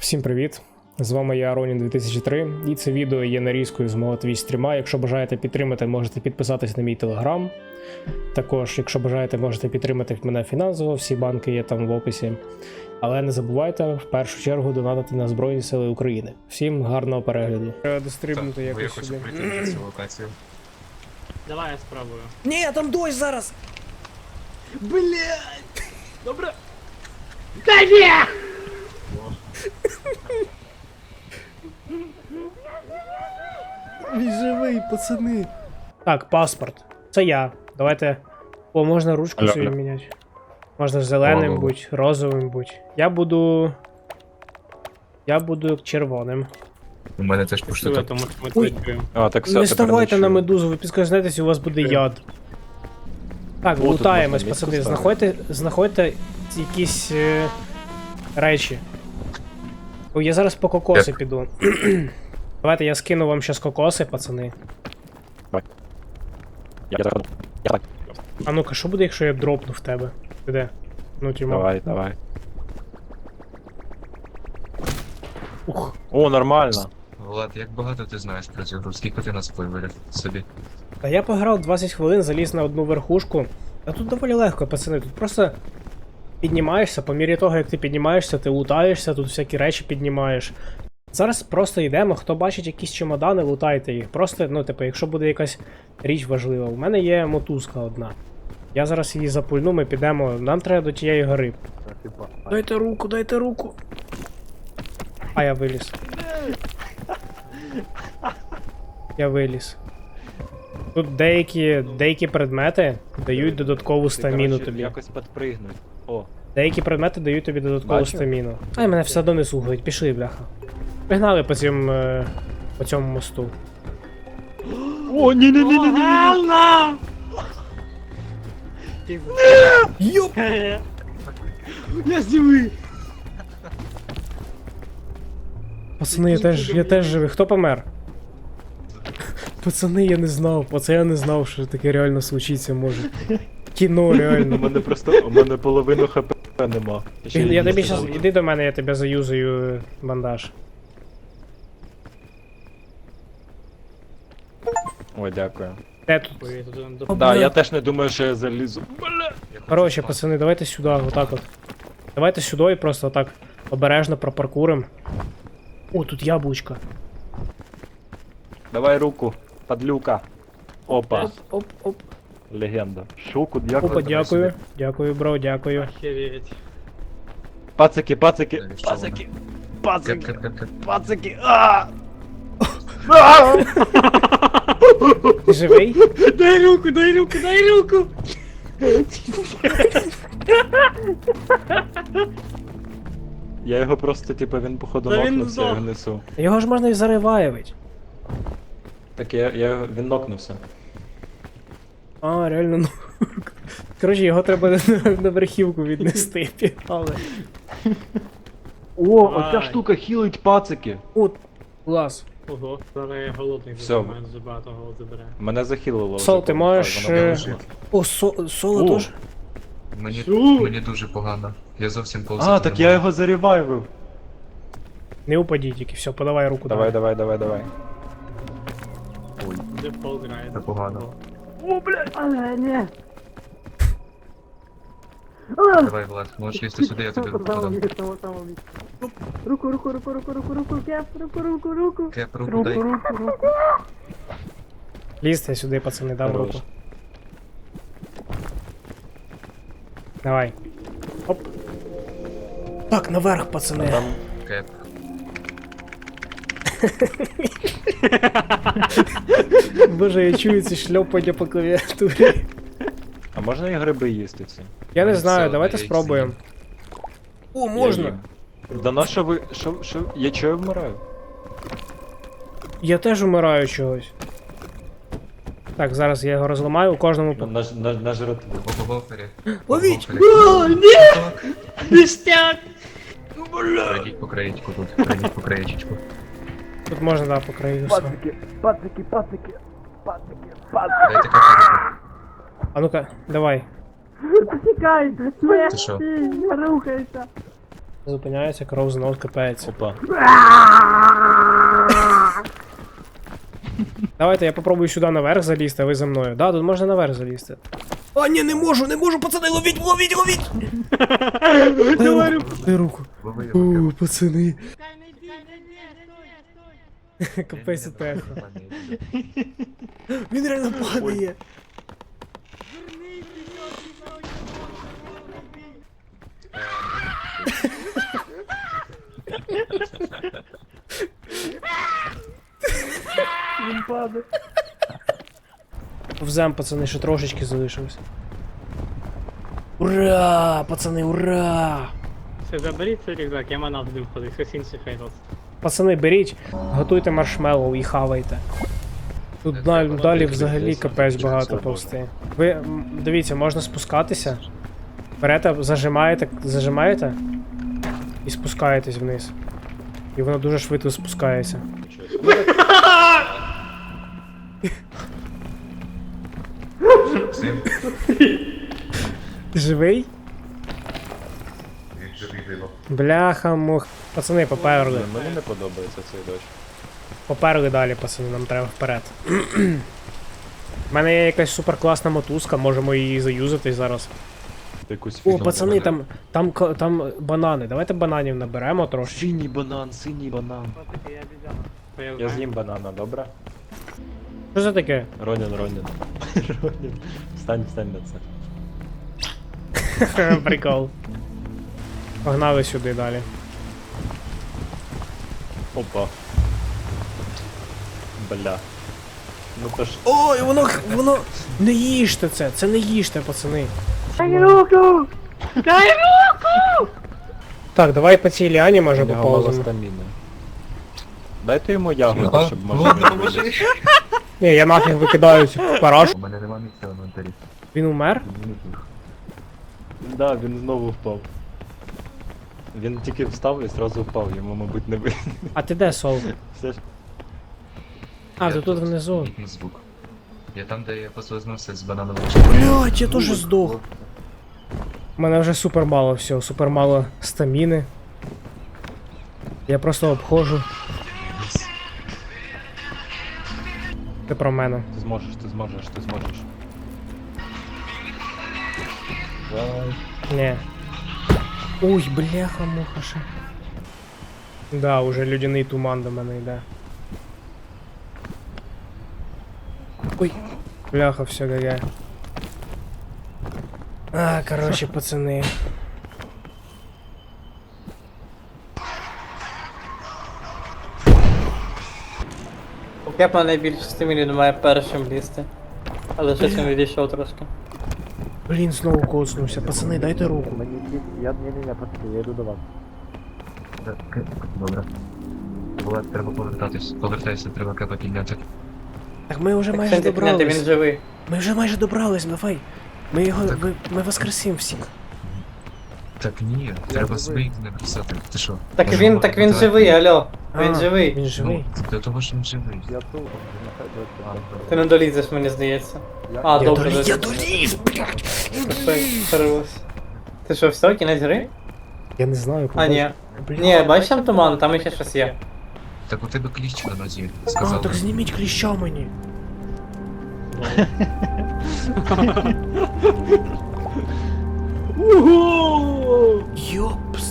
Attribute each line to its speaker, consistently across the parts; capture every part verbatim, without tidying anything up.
Speaker 1: Всім привіт! З вами я, Ронін дві тисячі три, і це відео є нарізкою з мого твіч стріма. Якщо бажаєте підтримати, можете підписатись на мій телеграм. Також, якщо бажаєте, можете підтримати мене фінансово, всі банки є там в описі. Але не забувайте в першу чергу донатити на Збройні Сили України. Всім гарного перегляду. Треба дострибнути якось
Speaker 2: я хочу
Speaker 1: сюди.
Speaker 2: прийти на цю локацію.
Speaker 3: Давай я спробую.
Speaker 1: Ні, там дощ зараз!
Speaker 3: Блять! Добре. Да ні!
Speaker 1: Він живий, пацани! Так, паспорт. Це я. Давайте. О, можна ручку
Speaker 2: Алло,
Speaker 1: собі
Speaker 2: алло.
Speaker 1: міняти. Можна зеленим
Speaker 2: Алло.
Speaker 1: будь, розовим будь. Я буду. Я буду червоним.
Speaker 2: У мене теж пошли
Speaker 3: Що,
Speaker 2: тут.
Speaker 3: тому що ми
Speaker 1: Ой.
Speaker 3: твічуємо.
Speaker 2: А, так все,
Speaker 1: Не
Speaker 2: тепер
Speaker 1: ставайте
Speaker 2: чую.
Speaker 1: на медузу, ви підскажетесь, у вас буде яд. Так,
Speaker 2: О, тут
Speaker 1: лутаємось,
Speaker 2: можна
Speaker 1: пацани,
Speaker 2: мітку
Speaker 1: знаходьте, знаходьте якісь е, речі. О, я зараз по кокоси
Speaker 2: Як?
Speaker 1: піду. Давайте я скину вам щас кокоси, пацани.
Speaker 2: Я так. Я так.
Speaker 1: А ну-ка, що буде, якщо я дропну в тебе? Ти де? Ну, тімо.
Speaker 2: Давай, давай.
Speaker 1: Ух.
Speaker 2: О, нормально.
Speaker 4: Влад, як багато ти знаєш про цю гру? Скільки ти нас вивалив собі?
Speaker 1: Та я пограв двадцять хвилин, заліз на одну верхушку. А тут доволі легко, пацани. Тут просто піднімаєшся, по мірі того, як ти піднімаєшся, ти лутаєшся, тут всякі речі піднімаєш. Зараз просто йдемо, хто бачить якісь чемодани, лутайте їх. Просто, ну, типу, якщо буде якась річ важлива. У мене є мотузка одна. Я зараз її запульну, ми підемо. Нам треба до тієї гори. Дайте руку, дайте руку. А я виліз. Я виліз. Тут деякі, деякі предмети дають додаткову стаміну тобі.
Speaker 5: Якось підпригнуть. О,
Speaker 1: Деякі предмети дають тобі додаткову
Speaker 5: Бачу.
Speaker 1: стаміну. Ай, мене все одно не слухають, пішли, бляха. Пігнали по цьому, е, по цьому мосту.
Speaker 5: О, ні, ні, ні, ні, ні.
Speaker 3: Ганна!
Speaker 1: Йоп!
Speaker 3: Я живий!
Speaker 1: Пацани, я теж, я теж живий. Хто помер? Пацани, я не знав, оце я не знав, що таке реально случиться може. Кіно,
Speaker 5: У
Speaker 1: реально.
Speaker 5: мене просто, у мене половину хп нема. Ще
Speaker 1: Я тобі
Speaker 5: їсти
Speaker 1: щас,
Speaker 5: буду.
Speaker 1: іди до мене, я тебе заюзаю е, бандаж.
Speaker 5: Ой, дякую.
Speaker 1: Де тут?
Speaker 3: Ой, тут он
Speaker 1: О,
Speaker 3: до...
Speaker 5: Да,
Speaker 1: бля.
Speaker 5: я теж не думаю, що я залізу.
Speaker 1: Короче, пацани, давайте сюди, отак от. Давайте сюди і просто отак обережно пропаркурим. О, тут яблучко.
Speaker 5: Давай руку, подлюка. Опа,
Speaker 1: Оп, оп, оп.
Speaker 5: легенда. Шуку, дякую.
Speaker 1: Опа, дякую. Дякую, бро, дякую.
Speaker 3: Охереть.
Speaker 5: Пацики, пацики,
Speaker 4: Далі, що
Speaker 5: пацики,
Speaker 4: Кеп,
Speaker 5: пацики,
Speaker 4: кеп, кеп, кеп.
Speaker 5: пацики. А!
Speaker 1: Ти живий?
Speaker 3: Дай руку, дай руку, дай руку!
Speaker 5: Я його просто, типу, він походу
Speaker 3: Та він
Speaker 5: нокнувся, я його
Speaker 3: здох.
Speaker 5: несу.
Speaker 1: Його ж можна і зариваєвить.
Speaker 5: Так я, я його- він нокнувся.
Speaker 1: А, реально, ну. Коротше, його треба на, на верхівку віднести, пігнали.
Speaker 5: О,
Speaker 3: Давай.
Speaker 5: оця штука хілить пацики.
Speaker 1: О, клас.
Speaker 3: Ого, зараз я голодний
Speaker 5: Всё.
Speaker 3: буду, мене дуже багато голод забере.
Speaker 5: Мене захилило. вже,
Speaker 1: Сол, ти
Speaker 5: пам'ятаю,
Speaker 1: можеш,
Speaker 5: воно
Speaker 1: е,
Speaker 5: вилазило.
Speaker 1: О, со, соло
Speaker 5: О.
Speaker 1: теж?
Speaker 4: Мені,
Speaker 3: Що?
Speaker 4: мені дуже погано. Я зовсім повзати
Speaker 5: А, так
Speaker 4: не
Speaker 5: я
Speaker 4: можу.
Speaker 5: його заревайвив.
Speaker 1: Не упадіть тільки, все, подавай руку.
Speaker 5: Давай, давай, давай, давай.
Speaker 3: Де пол грає?
Speaker 4: Це погано. Давай, Влад, можеш лізти сюди, я тобі руку подам.
Speaker 3: Руку, руку, руку, руку, руку, руку, кеп, руку, руку, руку.
Speaker 4: Кеп, руку дай.
Speaker 1: Лізьте сюди, пацани, дам
Speaker 5: Хорош.
Speaker 1: руку. Давай. Оп. Так, наверх, пацани.
Speaker 5: Там
Speaker 4: Кеп.
Speaker 1: Боже, я чую ці шльопання по клавіатурі.
Speaker 5: А можна і гриби їсти ці?
Speaker 1: Я не
Speaker 4: Все,
Speaker 1: знаю, давайте
Speaker 4: я їх
Speaker 1: спробуємо. О,
Speaker 5: Я
Speaker 1: можна.
Speaker 5: їм. Да на що ви. Що, що? Я чого я вмираю?
Speaker 1: Я теж умираю чогось. Так, зараз я його розламаю, у кожному по.
Speaker 5: На, на, на жратву.
Speaker 4: По гофері.
Speaker 1: Ловіть!
Speaker 3: О, ні! Ништяк!
Speaker 4: Пройдіть по краєчку тут. Пройдіть по краєчку.
Speaker 1: Тут можна, да, по краю все.
Speaker 5: пацики, пацики, пацики, пацики.
Speaker 4: Дайте кепу руку.
Speaker 1: А ну-ка, давай.
Speaker 3: Тікай!
Speaker 4: Ти що?
Speaker 3: Не рухайся!
Speaker 1: Зупиняється, кров знов кипається.
Speaker 5: Опа.
Speaker 1: Давайте я попробую сюди наверх залізти, а ви за мною. Да, тут можна наверх залізти. А, ні, не можу, не можу, пацани, ловіть, ловіть, ловіть! Дай руку, дай руку. О, пацани. Капець техо. Він реально падає.
Speaker 3: Він падає.
Speaker 1: Повзем, пацани, ще трошечки залишилось. Ура! Пацани, ура!
Speaker 3: Все, заберіть цей рюкзак, я манав будемо ходити, хтось інший хай носить.
Speaker 1: Пацани, беріть, готуйте маршмеллоу і хавайте. Тут далі, далі взагалі капець багато повсти. Ви м, дивіться, можна спускатися. Берете, зажимаєте, зажимаєте і спускаєтесь вниз. І воно дуже швидко спускається.
Speaker 4: Сим,
Speaker 1: Ти живий?
Speaker 4: він живий диво.
Speaker 1: Бляха мух. Пацани, поперли.
Speaker 5: Мені не подобається цей дощ.
Speaker 1: Поперли далі, пацани, нам треба вперед. У мене є якась суперкласна мотузка, можемо її заюзати зараз.
Speaker 5: Якусь
Speaker 1: О,
Speaker 5: фігню.
Speaker 1: пацани, там, там, ко- там банани. Давайте бананів наберемо трошки.
Speaker 5: Синій банан, синій банан.
Speaker 3: Я обіцяла.
Speaker 5: Я з'їм банана, добре?
Speaker 1: Що це таке?
Speaker 5: Ронін, Ронін. Ронін. Встань, встань на це.
Speaker 1: Прикол. Погнали сюди далі.
Speaker 5: Опа. Бля. Ну то ж.
Speaker 1: Ой, воно, воно... Не їжте це, це не їжте, пацани.
Speaker 3: Дай руку! Дай руку!
Speaker 1: Так, давай по цій ліані може
Speaker 5: У нього мало
Speaker 1: поповземо.
Speaker 5: стаміни. Дайте йому ягоду, щоб можна вилізти.
Speaker 1: Ні, я нафіг викидаю цю парашу.
Speaker 2: У мене нема місця в інвентарі.
Speaker 1: Він умер?
Speaker 5: Да, він знову впав. Він тільки встав і зразу впав, йому, мабуть, не видно.
Speaker 1: А ти де, Сол?
Speaker 5: Все ж.
Speaker 1: А,
Speaker 4: Я
Speaker 1: ти тут внизу.
Speaker 4: На звук. Я там, де я послизнувся з бананового
Speaker 1: Блять, я теж здох. У мене вже супер мало всього, супер мало стаміни. Я просто обходжу. Ти про мене.
Speaker 5: Ти зможеш, ти зможеш, ти зможеш. Давай.
Speaker 1: Ні. Ой, бляха, муха ще. Да, уже людяний туман до мене йде. Ой, бляха, все галя. А, короче, пацани.
Speaker 3: Кепа найбільше стимулі немає першим лізти. Але щось він відійшов трошки.
Speaker 1: Блін, знову коцнувся. Пацани, дайте руку.
Speaker 5: Я не не не я йду до вас.
Speaker 2: Добре.
Speaker 4: Влад, треба повертатись. Повертайся, треба кепа підняти.
Speaker 1: Так ми вже
Speaker 3: Так
Speaker 1: майже
Speaker 3: це підняти, він
Speaker 1: добрались.
Speaker 3: живий.
Speaker 1: Ми вже майже добрались, давай. Ми його, ви, ми воскресим всіх.
Speaker 4: Так ні, треба своїх написати. Ти що?
Speaker 3: Так
Speaker 4: Можемо
Speaker 3: він, так він
Speaker 4: давай.
Speaker 3: живий, алло.
Speaker 1: А,
Speaker 3: Він живий.
Speaker 1: Він живий.
Speaker 4: Ну, для того, що він живий.
Speaker 5: Я тут.
Speaker 3: Ти не долізеш, мені здається. А,
Speaker 1: Я
Speaker 3: добре,
Speaker 1: доліз, я
Speaker 3: добре.
Speaker 1: доліз, блядь.
Speaker 3: Все, перервався. Ти що, все, кінець гри?
Speaker 1: Я не знаю,
Speaker 3: А, ні.
Speaker 1: Блін.
Speaker 3: Ні, бачиш там туман, там ще щось є.
Speaker 4: Так у тебе кліщ на нозі,
Speaker 1: А,
Speaker 4: сказав.
Speaker 1: так зніміть кліща мені. Йопс.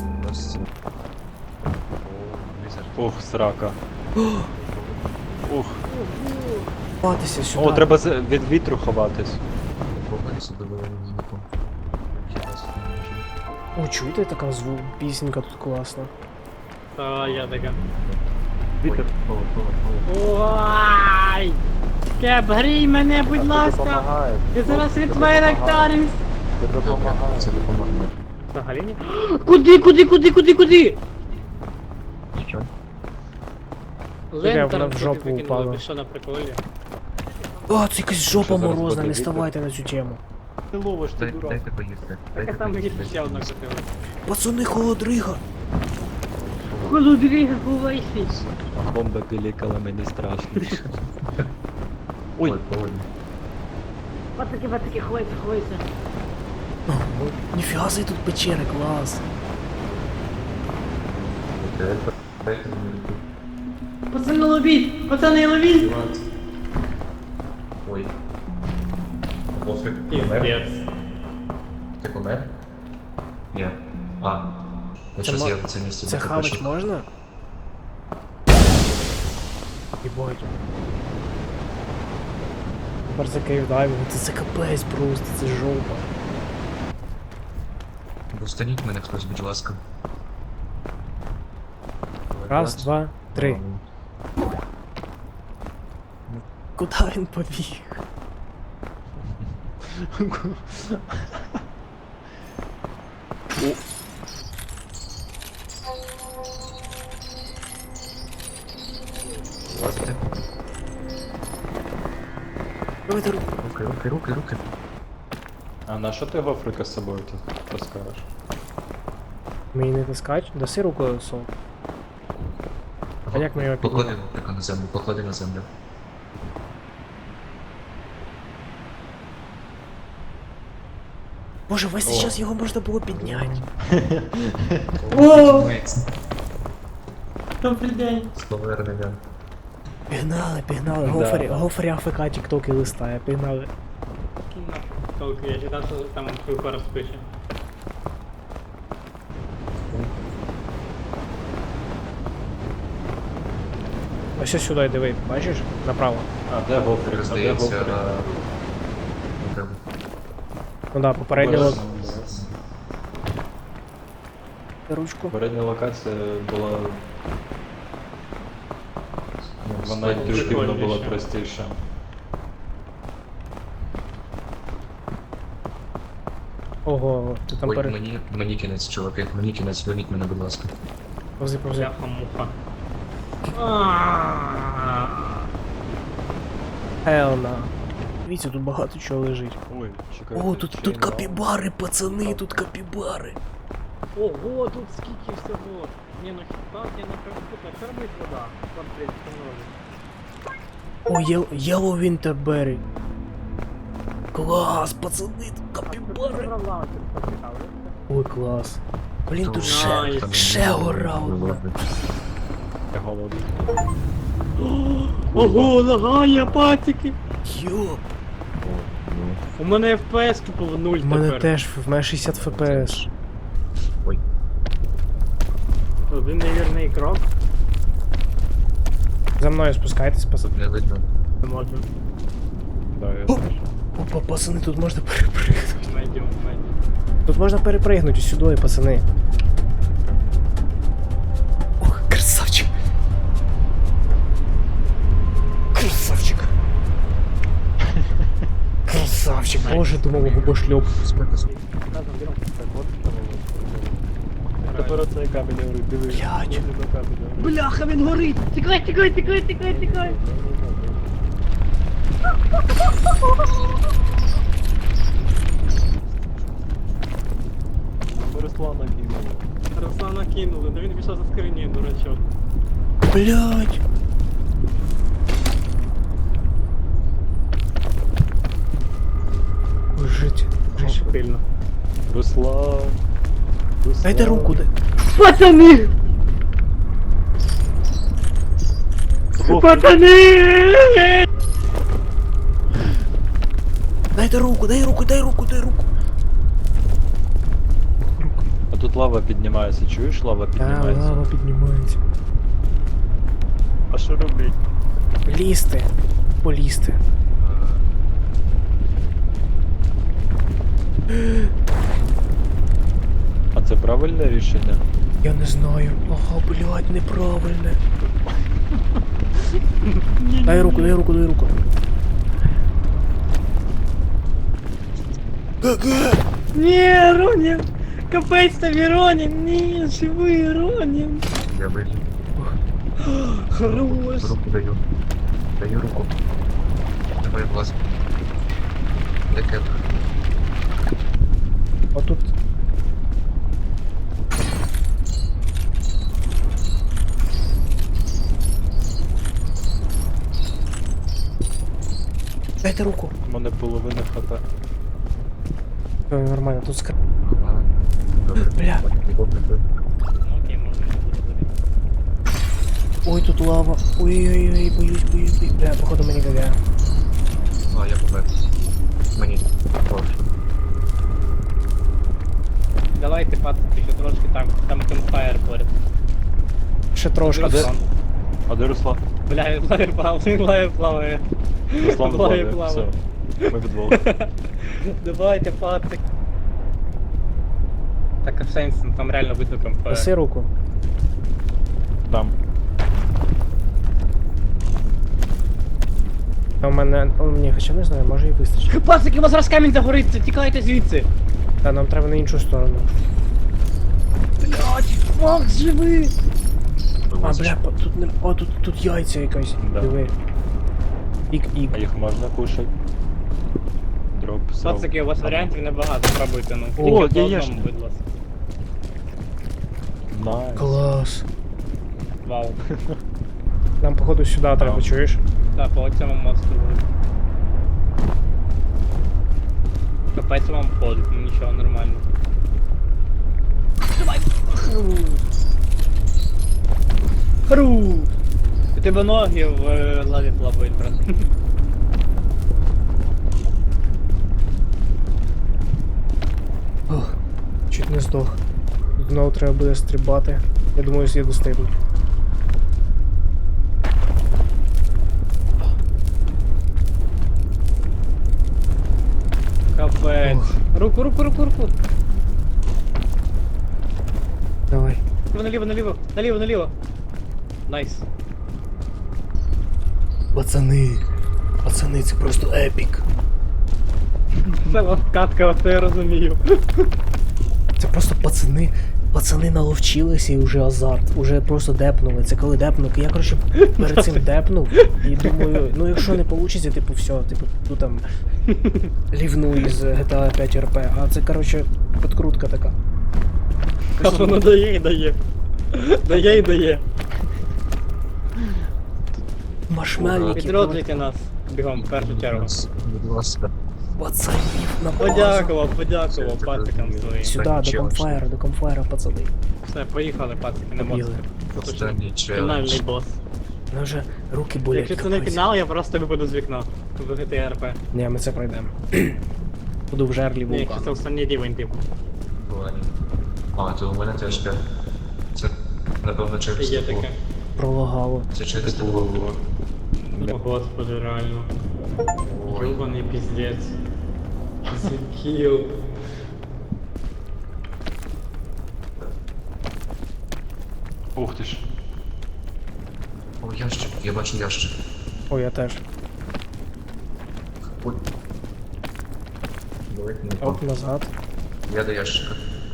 Speaker 5: Ух, срака. Ух.
Speaker 1: Ховатися сюди.
Speaker 5: О, треба з- від вітру ховатись.
Speaker 1: О, чуєте, така звук, пісенька тут класна.
Speaker 3: А, я така.
Speaker 5: Вітер.
Speaker 3: Ой! Кеп, грій мене, будь ласка! Я зараз від твоєї ректарів!
Speaker 5: Ти допомагає.
Speaker 4: Це допомагає.
Speaker 3: Взагалі ні? Куди, куди, куди, куди, куди?
Speaker 2: Що?
Speaker 1: Де вона в жопу упала?
Speaker 3: Що на приколі?
Speaker 1: О, це якась жопа
Speaker 5: Що, зараз
Speaker 1: морозна,
Speaker 5: буде
Speaker 1: не
Speaker 5: вітер?
Speaker 1: ставайте на цю тему.
Speaker 5: Ти ловиш, ти
Speaker 4: Дай-
Speaker 5: дурак.
Speaker 4: Дайте поїсти. Дайте
Speaker 3: Так там мені
Speaker 4: поїсти.
Speaker 3: ще одна купила.
Speaker 1: Пацани, холодрига.
Speaker 3: Холодріга, ховайся!
Speaker 5: Бомба пілікала, мені страшно.
Speaker 2: Ой,
Speaker 5: Ой,
Speaker 2: погоди.
Speaker 3: Пацаки, пацаки, ховайся, ховайся!
Speaker 1: Ніфіга себе тут печери, клас.
Speaker 4: Дайте мені руку.
Speaker 3: Пацани ловіть! Пацани ловіть!
Speaker 4: Ой. Пофіг. Помер? Ти помер? Ні. А. Ну
Speaker 1: Це
Speaker 4: щось
Speaker 1: мо-
Speaker 4: я в це місце
Speaker 1: Це
Speaker 4: не
Speaker 1: хавать
Speaker 4: хочу.
Speaker 1: можна? Єбать. Тепер за кейвдайвинг, це, це капець просто, це жопа.
Speaker 4: Достаніть мене хтось, будь ласка.
Speaker 1: Раз, два, три. Куда він побіг?
Speaker 4: Лазите.
Speaker 1: Давайте руку.
Speaker 4: Руки, руки, руки, руки.
Speaker 5: А на що ти гофрика з собою тут таскаєш?
Speaker 1: Мені не таскать? Даси руку сол. А як ми його
Speaker 4: Поклади
Speaker 1: піднімемо?
Speaker 4: лопика на землю, поклади на землю.
Speaker 1: Боже, весь цей час його можна було підняти.
Speaker 3: О! Добрий день!
Speaker 4: З повернення.
Speaker 1: Пігнали, пігнали.
Speaker 5: Да.
Speaker 1: Гофрі, Гофрі АФК тіктоки листає, пігнали.
Speaker 3: Толку, я читав, що там твою пару спише.
Speaker 1: Ось ось сюди диви, бачиш? Направо.
Speaker 5: А, де гофрик? А де
Speaker 4: Здається,
Speaker 5: гофрик?
Speaker 4: не треба.
Speaker 1: Ну да, попередня лок...
Speaker 5: Обережно, обережно.
Speaker 1: ручку.
Speaker 5: Попередня локація була. Ну, вона
Speaker 4: Складніше.
Speaker 5: інтуїтивно була
Speaker 3: Прикольніше.
Speaker 5: простіша.
Speaker 1: Ого, ти там
Speaker 4: Ой,
Speaker 1: перед...
Speaker 4: мені, мені кінець, чуваки, мені кінець, зверніть мене, будь ласка.
Speaker 1: Повзи, повзи.
Speaker 3: Бляха-муха.
Speaker 1: Елна. Дивіться, тут багато чого лежить.
Speaker 5: Ой, чекай.
Speaker 1: О, тут, тут капібари, пацани, тут капібари.
Speaker 3: Ого, тут скільки всього. Не, ну хіба, я на кормить кормить вода. Портрет встановлює.
Speaker 1: О, є, Yellow Winterberry. Клас, пацани, тут капібари. Ой, клас. Блін, тут ще,
Speaker 3: Найс.
Speaker 1: ще гора одна.
Speaker 5: Я голодний.
Speaker 3: Ого, лагає, патики.
Speaker 1: Йоп,
Speaker 3: У мене еф пі ес тупо в нуль
Speaker 1: в мене
Speaker 3: тепер.
Speaker 1: теж, в мене шістдесят еф пі ес.
Speaker 4: Ой,
Speaker 3: Один невірний крок.
Speaker 1: За мною спускайтесь, пацани.
Speaker 4: тут не видно.
Speaker 3: Не можу.
Speaker 5: Да, я
Speaker 1: О!
Speaker 5: знаю.
Speaker 1: Опа, пацани, тут можна перепригнути.
Speaker 3: Медіум, медіум.
Speaker 1: Тут можна перепригнути сюди, пацани. Ох, красавчик. Красавчик. Красавчик, боже, думав, губошльоп.
Speaker 4: Спека, спека.
Speaker 5: Так от що було. Тепер оцей камінь говорить, дивись.
Speaker 1: Блядь.
Speaker 5: Дивись на камінь говорить.
Speaker 3: Бляха, він горить! Тікай, тікай, тікай, тікай, тікай!
Speaker 5: Руслана кинули.
Speaker 3: Руслана кинули, да він пішов за скриню, дурачок.
Speaker 1: Блять. Ой, жить, жить.
Speaker 3: Сильно.
Speaker 5: Руслан. Руслан.
Speaker 1: Дайте руку, дай.
Speaker 3: Пацани! Пацани!
Speaker 1: Дайте руку, дай руку, дай руку, дай руку.
Speaker 5: А тут лава піднімається, чуєш? Лава
Speaker 1: А,
Speaker 5: піднімається.
Speaker 1: лава піднімається.
Speaker 5: А що робить?
Speaker 1: Лізти. Полізти.
Speaker 5: А це правильне рішення?
Speaker 1: Я не знаю. Ага, блядь, неправильне. Дай руку, дай руку, дай руку.
Speaker 3: Ні, Ронін! Капець тобі, Ронін! Ні, живий, Ронін!
Speaker 4: Я вийду.
Speaker 3: Хорош!
Speaker 4: Руку даю. Даю руку. Давай, будь ласка. Таке.
Speaker 1: Отут. Дайте руку.
Speaker 5: У мене половина хп.
Speaker 1: Все, нормально, тут скр...
Speaker 4: Ладно. Добре.
Speaker 1: Бля.
Speaker 4: Нікого не бив.
Speaker 3: Окей, можна не буде.
Speaker 1: Ой, тут лава. Ой-ой-ой, боюсь, боюсь, боюсь. Бля, походу мені ГГ.
Speaker 4: А, я помер. Мені прошу.
Speaker 3: Давайте, пацики, ще трошки там, там кемфайр поряд.
Speaker 1: Ще трошки.
Speaker 5: А де? А де Руслан?
Speaker 3: Бля, він лає плаває, він лає плаває.
Speaker 5: Руслан
Speaker 3: Плаває,
Speaker 5: плаває, все.
Speaker 3: плаває.
Speaker 5: Ми підвал.
Speaker 3: Давайте, пацик. Так, а в сенсі, ну, там реально видно кемфайр.
Speaker 1: Неси руку.
Speaker 5: Там.
Speaker 1: А у мене. О, ні, хоча не знаю, може і вистачить.
Speaker 3: Пацики, у вас раз камінь загориться, тікайте звідси.
Speaker 1: Та нам треба на іншу сторону.
Speaker 3: Блять, Макс живий.
Speaker 1: А, бля, по- тут не. О, тут, тут яйця якась.
Speaker 5: Да.
Speaker 1: Диви. Ік-ік.
Speaker 5: А їх можна кушати? Дроп, срав.
Speaker 3: Пацики, у вас варіантів небагато, пробуйте, ну.
Speaker 5: О,
Speaker 3: Тільки по
Speaker 5: є, є
Speaker 3: одному,
Speaker 5: ж.
Speaker 3: будь ласка.
Speaker 5: Найс.
Speaker 1: Клас.
Speaker 3: Вау.
Speaker 1: Нам, походу, сюди треба, чуєш?
Speaker 3: Так, по цьому монстру буде. Капець вам ходить, ну нічого, нормально. Давай! Хру! У тебе ноги в е, лаві плавають, брат.
Speaker 1: Ох, чуть не здох. Тут знову треба буде стрибати. Я думаю, я достигну.
Speaker 3: Капець.
Speaker 1: Ох.
Speaker 3: Руку, руку, руку, руку.
Speaker 1: Давай.
Speaker 3: Наліво, наліво, наліво, наліво. Найс.
Speaker 1: Пацани. Пацани, це просто епік.
Speaker 3: Це вам катка, оце я розумію.
Speaker 1: Це просто пацани. Пацани наловчилися і вже азарт. Уже просто депнули. Це коли депнув. Я, коротше, перед цим депнув. І думаю, ну якщо не вийде, типу, все, типу, ну там лівну із джі ті ей п'ять ар пі. А це, коротше, підкрутка така.
Speaker 3: А воно дає і дає. Дає і дає.
Speaker 1: Маршмельники.
Speaker 3: Підроджуйте нас. Бігом, в першу чергу.
Speaker 4: Будь ласка.
Speaker 1: Пацанів на базу.
Speaker 3: Подякував, подякував пацикам своїм.
Speaker 1: Сюди,
Speaker 4: Так,
Speaker 1: до
Speaker 4: челендж.
Speaker 1: комфайра, до комфайра, пацани.
Speaker 3: Все, поїхали, пацики, не
Speaker 1: Побігли.
Speaker 3: можете. Тут уже
Speaker 4: Останній
Speaker 3: фінальний
Speaker 4: челендж.
Speaker 3: бос.
Speaker 1: Ну вже руки болять.
Speaker 3: Якщо це не
Speaker 1: капець.
Speaker 3: фінал, я просто випаду з вікна. В джі ті ей ар пі.
Speaker 1: Ні, ми це пройдемо. Буду в жерлі
Speaker 3: Ні, якщо це
Speaker 1: вулкану.
Speaker 3: останній рівень, типу.
Speaker 4: Ладно. А, то у мене теж п'ять. Це, напевно, через
Speaker 3: Є
Speaker 4: таку.
Speaker 3: таке.
Speaker 1: Пролагало.
Speaker 4: Це через таку.
Speaker 3: О, господи, реально.
Speaker 4: Ой.
Speaker 3: Ёбаний пиздец. Закил.
Speaker 5: Ух ти ж.
Speaker 4: О, ящик, я бачу ящик.
Speaker 1: Ой, я теж.
Speaker 4: Ой. Давайте не
Speaker 1: Оп, назад.
Speaker 4: Я до ящика.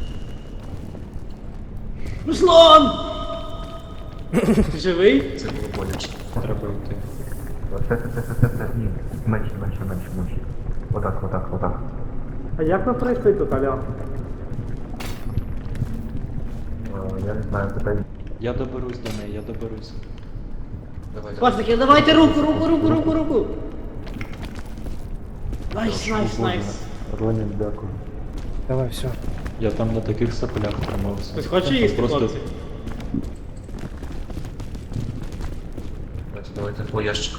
Speaker 3: Руслан! Ти живий?
Speaker 4: Це було боляче.
Speaker 5: Треба йти.
Speaker 2: Це, це, це, це, це, ні. Менше, менше, менше, менше. Отак, отак, отак.
Speaker 3: А як ви пройшли тут, Аля?
Speaker 2: Е, Я не знаю, питай.
Speaker 5: Я доберусь до неї, я доберусь.
Speaker 4: Давай, давай.
Speaker 3: Пацики, давайте руку, руку, руку, руку, руку! Найс, найс, найс.
Speaker 2: Ронін, дякую.
Speaker 1: Давай, все.
Speaker 5: Я там на таких соплях тримався.
Speaker 3: Хтось хоче
Speaker 5: Там
Speaker 3: їсти,
Speaker 5: просто
Speaker 3: хлопці?
Speaker 4: Давайте, давайте по ящик.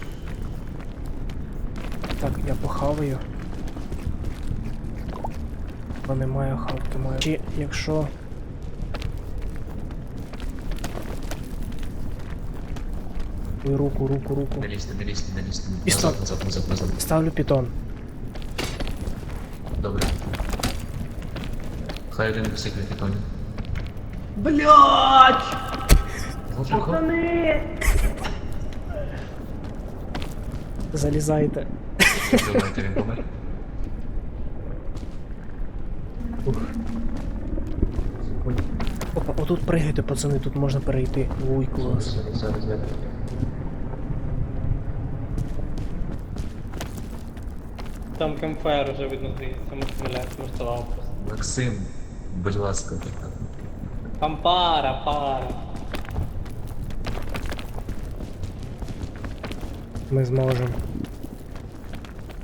Speaker 1: Так, я похаваю. Бо немає хавки маю. Чи якщо. Ой, руку, руку, руку.
Speaker 4: Не лізьте, не лізьте, не лізьте.
Speaker 1: І
Speaker 4: Назад,
Speaker 1: стоп.
Speaker 4: назад, назад, назад.
Speaker 1: Ставлю питон.
Speaker 4: Добре. Хай один висить на питоні.
Speaker 3: Блять!
Speaker 4: Може, хо?
Speaker 1: Залізайте.
Speaker 4: Думаєте, він помер?
Speaker 1: Опа, отут пригайте, пацани, тут можна перейти. Ой, клас.
Speaker 4: Зараз, зараз, я.
Speaker 3: Там кемфайр уже видно, здається, ми сміляємо, смертував просто.
Speaker 4: Максим, будь ласка.
Speaker 3: Там пара, пара.
Speaker 1: Ми зможемо.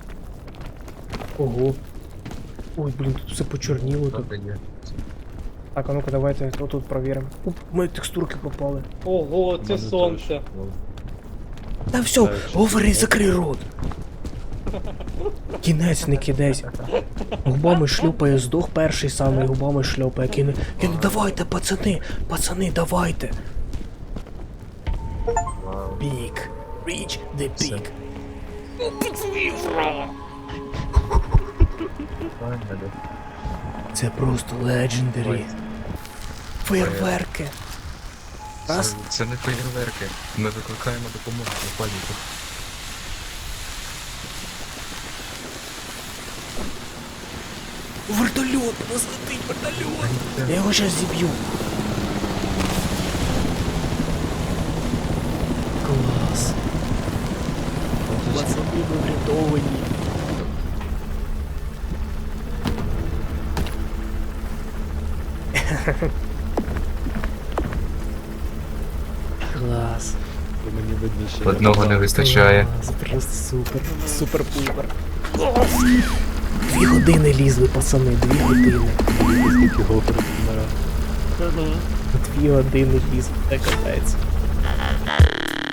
Speaker 1: Ого. Ой, блін, тут все почорніло. Тут.
Speaker 4: Добре, є.
Speaker 1: Так, а ну-ка давайте отут провіримо. Уп, ми текстурки попали.
Speaker 3: Ого, це
Speaker 5: Мене
Speaker 3: сонце.
Speaker 5: теж. Ну,
Speaker 1: Та все,
Speaker 5: Так, що
Speaker 1: говори,
Speaker 5: це?
Speaker 1: закрий рот. Кінець не кидайсь. Губами шлюпає, здох перший самий, губами шльопає. Кине. Кине, давайте, пацани, пацани, давайте.
Speaker 2: Вау.
Speaker 1: Пік. Reach the peak.
Speaker 2: Ой, надо.
Speaker 1: Це просто legendary. Фейерверки. Раз.
Speaker 4: Це, це не феєрверки. Ми викликаємо допомогу у паніку.
Speaker 1: Вертольот, у нас летить вертольот. Я його зараз зіб'ю. Клас. Пацани, ви врятовані. Клас.
Speaker 5: то мені видно, що
Speaker 4: Одного
Speaker 5: я
Speaker 4: не
Speaker 5: казав.
Speaker 4: вистачає.
Speaker 1: Клас, просто супер. Супер-пупер. Клас. Дві години лізли, пацани, дві години.
Speaker 5: Скільки гофрів вмирав.
Speaker 1: Дві години лізли, це капець.